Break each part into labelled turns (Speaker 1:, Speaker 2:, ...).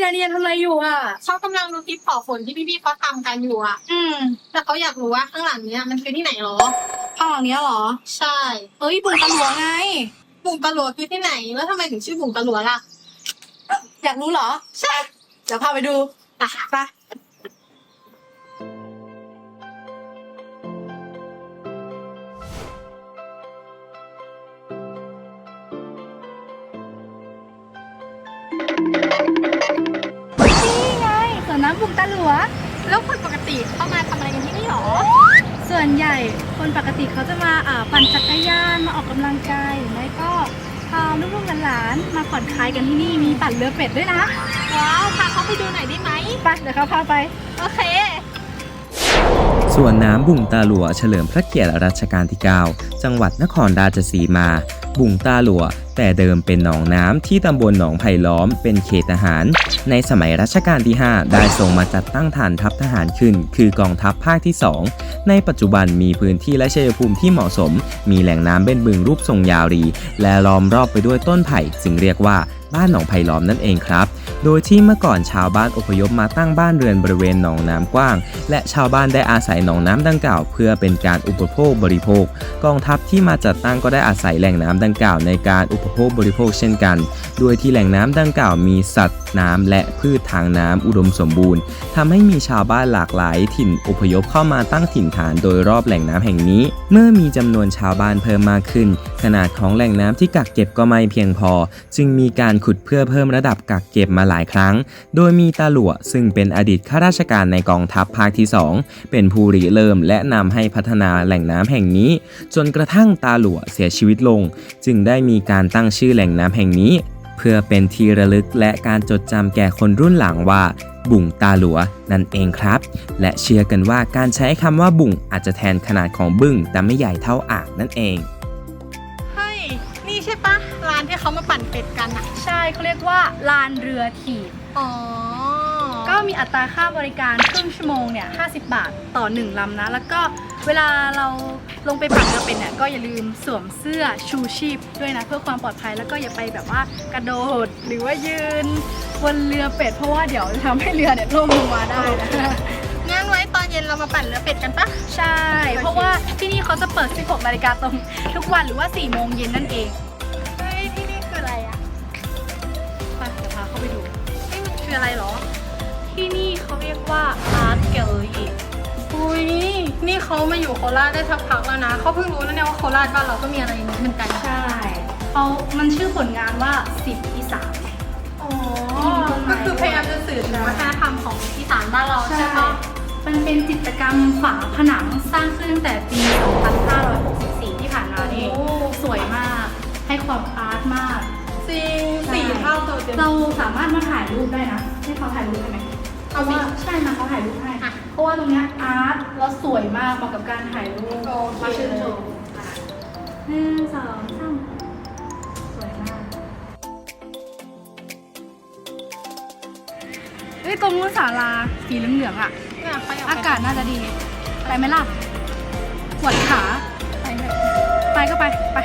Speaker 1: นาเนียทำอะไรอยู่อ่ะ
Speaker 2: เขากำลังดูคลิปขอฝนที่พี่ๆเขาทำกันอยู่อ่ะแต่เขาอยากรู้ว่าข้างหลังเนี้ยมันคือที่ไหนหรอ
Speaker 1: ข้างหลังเนี้ยเหรอ
Speaker 2: ใช่
Speaker 1: เอ้ยบุ่งตะหลวงไง
Speaker 2: บุ่งตะหลวคือที่ไหนแล้วทำไมถึงชื่อบุ่งตะหลวล่ะ
Speaker 1: อยากรู้เหรอใช่เดี๋ยวพาไปดู
Speaker 2: อ่ะ
Speaker 1: ไปนี่ไงสวนน้ำบุ่งตะหลวง
Speaker 2: แล้วคนปกติเข้ามาทำอะไรกันที่นี่หรอ
Speaker 1: ส่วนใหญ่คนปกติเขาจะมาปั่นจักรยานมาออกกำลังกายหรือไม่ก็พาลูกๆหลานๆมาผ่อนคลายกันที่นี่มีปั่นเรือเป็ดด้วยนะ
Speaker 2: ว้าวพาเขาไปดูหน่อยได้ไหม
Speaker 1: ไปเดี๋ยวเขาพาไป
Speaker 2: โอเค
Speaker 3: สวนน้ำบุ่งตาหลัวเฉลิมพระเกียรติรัชกาลที่ 9 จังหวัดนครราชสีมา บุ่งตาหลัวแต่เดิมเป็นหนองน้ำที่ตำบลหนองไผ่ล้อมเป็นเขตทหารในสมัยรัชกาลที่ 5 ได้ทรงมาจัดตั้งฐานทัพทหารขึ้นคือกองทัพภาคที่ 2 ในปัจจุบันมีพื้นที่และชัยภูมิที่เหมาะสมมีแหล่งน้ำเป็นบึงรูปทรงยาวรีและล้อมรอบไปด้วยต้นไผ่จึงเรียกว่าบ้านหนองไผ่ล้อมนั่นเองครับโดยที่เมื่อก่อนชาวบ้านอพยพมาตั้งบ้านเรือนบริเวณหนองน้ำกว้างและชาวบ้านได้อาศัยหนองน้ำดังกล่าวเพื่อเป็นการอุปโภคบริโภคกองทัพที่มาจัดตั้งก็ได้อาศัยแหล่งน้ำดังกล่าวในการอุปโภคบริโภคเช่นกันโดยที่แหล่งน้ำดังกล่าวมีสัตว์น้ำและพืชทางน้ำอุดมสมบูรณ์ทำให้มีชาวบ้านหลากหลายถิ่นอพยพเข้ามาตั้งถิ่นฐานโดยรอบแหล่งน้ำแห่งนี้เมื่อมีจำนวนชาวบ้านเพิ่มมากขึ้นขนาดของแหล่งน้ำที่กักเก็บก็ไม่เพียงพอจึงมีการขุดเพื่อเพิ่มระดับกักเก็บมาหลายครั้งโดยมีตาหลัวซึ่งเป็นอดีตข้าราชการในกองทัพภาคที่ 2เป็นผู้ริเริ่มและนำให้พัฒนาแหล่งน้ำแห่งนี้จนกระทั่งตาหลัวเสียชีวิตลงจึงได้มีการตั้งชื่อแหล่งน้ำแห่งนี้เพื่อเป็นที่ระลึกและการจดจำแก่คนรุ่นหลังว่าบุ่งตาหลัวนั่นเองครับและเชื่อกันว่าการใช้คำว่าบุ่งอาจจะแทนขนาดของบึ้งแต่ไม่ใหญ่เท่าอ่างนั่นเอง
Speaker 2: เฮ้ยนี่ใช่ปะร้านที่เขามาปั่นเป็ดกันอะ
Speaker 1: ใช่เขาเรียกว่าลานเรือถีบ
Speaker 2: อ๋อ
Speaker 1: ก็มีอัตราค่าบริการครึ่งชั่วโมงเนี่ย50 บาทต่อ1ลำนะแล้วก็เวลาเราลงไปปั่นเรือเป็ดเนี่ยก็อย่าลืมสวมเสื้อชูชีพด้วยนะเพื่อความปลอดภัยแล้วก็อย่าไปแบบว่ากระโดดหรือว่ายืนบนเรือเป็ดเพราะว่าเดี๋ยวจะทำให้เรือเนี่ยล่มลงมาได้นะ
Speaker 2: งั้นไว้ตอนเย็นเรามาปั่นเรือเป็ดกันปะ
Speaker 1: ใช่เพราะว่าที่นี่เขาจะเปิด 16 นาฬิกาตรงทุกวันหรือว่า4 โมงเย็นนั่นเอง
Speaker 2: เฮ้ยที่นี่คืออะไรอะ
Speaker 1: ไปเดี๋ยวพาเข้าไปดู
Speaker 2: นี่มันคืออะไรหรอ
Speaker 1: ที่นี่เขาเรียกว่า Art Gallery
Speaker 2: อุ้ยนี่เขามาอยู่โคราชได้สักพักแล้วนะเขาเพิ่งรู้นะเนี่ยว่าโคราชบ้านเราก็มีอะไรอย่างนี้เหมือนกัน
Speaker 1: ใช่มันชื่อผลงานว่า10 อีสาน
Speaker 2: อ๋อก็คือพยายามจะสื่อถึงวัฒนธรรมของอีสานบ้านเราใช่ปะ
Speaker 1: มันเป็นจิตรกรรมฝาผนังสร้างขึ้นตั้งแต่ปี 2564 ที่ผ่านมานี่สวยมากให้ความอาร์ตมาก
Speaker 2: จริง4 เท่าตัวเต็ม
Speaker 1: เราสามารถมาถ่ายรูปได้นะให้เขาถ่ายรูปได้ไหมเพราะว่าใช่มาเขาถ่ายรูปให้เพราะว่าตรงนี้อาร์ตแล้วสวยมากเหมาะกับการถ่ายรูปมาชื่นชม1 2 3สวยมากตรงนู้นศาลาสีเหลืองๆอ่ะอากาศน่าจะดีไปไหมล่ะปวดขาไปก็ไป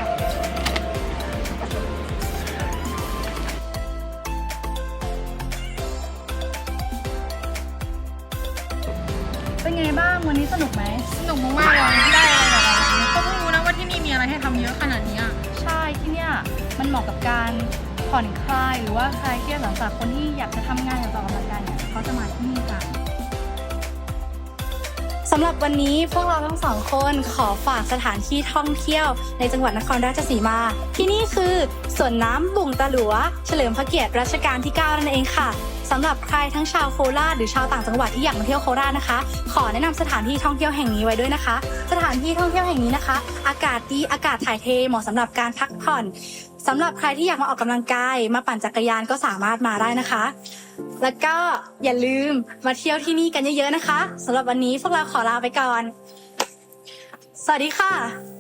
Speaker 1: เป็นไงบ้างวันนี้สนุกไหม
Speaker 2: สนุกมากๆเลยได้อะไรแบบนี้ก็เพิ่งรู้นะว่าที่นี่มีอะไรให้ทำเยอะขนาดนี้
Speaker 1: ใช่ที่เนี่ยมันเหมาะกับการผ่อนคลายหรือว่าคลายเครียดหลังจากคนที่อยากจะทำงานอยากจะออกกำลังกายเนี่ยเขาจะมาที่นี่กันสำหรับวันนี้พวกเราทั้งสองคนขอฝากสถานที่ท่องเที่ยวในจังหวัดนครราชสีมาที่นี่คือสวนน้ำบุ่งตาหลัวเฉลิมพระเกียรติรัชกาลที่ 9นั่นเองค่ะสำหรับใครทั้งชาวโคราชหรือชาวต่างจังหวัดที่อยากมาเที่ยวโคราชนะคะขอแนะนำสถานที่ท่องเที่ยวแห่งนี้ไว้ด้วยนะคะสถานที่ท่องเที่ยวแห่งนี้นะคะอากาศดีอากาศถ่ายเทเหมาะสำหรับการพักผ่อนสำหรับใครที่อยากมาออกกำลังกายมาปั่นจักรยานก็สามารถมาได้นะคะแล้วก็อย่าลืมมาเที่ยวที่นี่กันเยอะๆนะคะสำหรับวันนี้พวกเราขอลาไปก่อนสวัสดีค่ะ